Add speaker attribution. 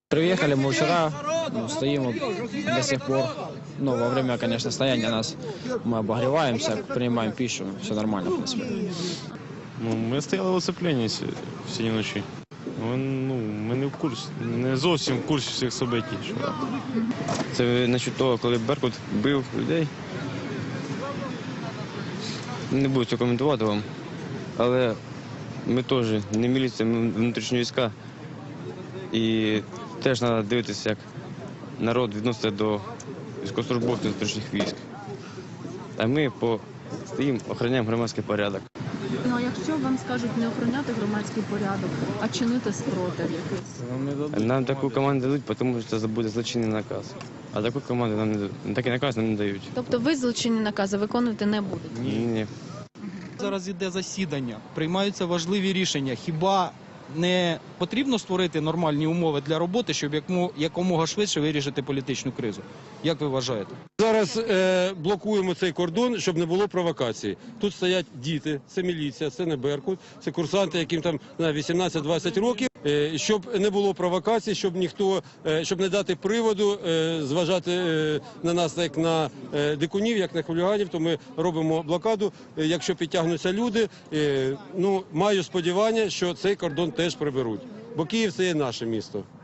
Speaker 1: Приехали мы вчера, стоим вот до сих пор. Ну, во время, конечно, стояния мы обогреваемся, принимаем пищу, все нормально, в принципе.
Speaker 2: Ми стояли в оцепленні всі ночі. Ми не зовсім в курсі всіх событий.
Speaker 3: Це насчет того, коли Беркут бив людей. Не буду цього коментувати вам, але ми теж не міліція, ми внутрішні війська. І теж треба дивитися, як народ відноситься до військовослужбовців внутрішніх військ. А ми стоїмо, охороняємо громадський порядок.
Speaker 4: Ну, а якщо вам скажуть не охороняти громадський порядок, а чинити спротив якийсь?
Speaker 3: Нам таку команду дадуть, тому що це буде злочинний наказ. А таку команду нам не дають. Такий наказ нам не дають.
Speaker 4: Тобто ви злочинні накази виконувати не будете?
Speaker 3: Ні.
Speaker 5: Зараз іде засідання, приймаються важливі рішення. Хіба не потрібно створити нормальні умови для роботи, щоб якомога швидше вирішити політичну кризу? Як ви вважаєте?
Speaker 6: Зараз блокуємо цей кордон, щоб не було провокацій. Тут стоять діти, це міліція, це не Беркут, це курсанти, яким там 18-20 років. Щоб не було провокацій, щоб не дати приводу зважати на нас як на дикунів, як на хуліганів, то ми робимо блокаду. Якщо підтягнуться люди, маю сподівання, що цей кордон теж приберуть. Бо Київ – це є наше місто.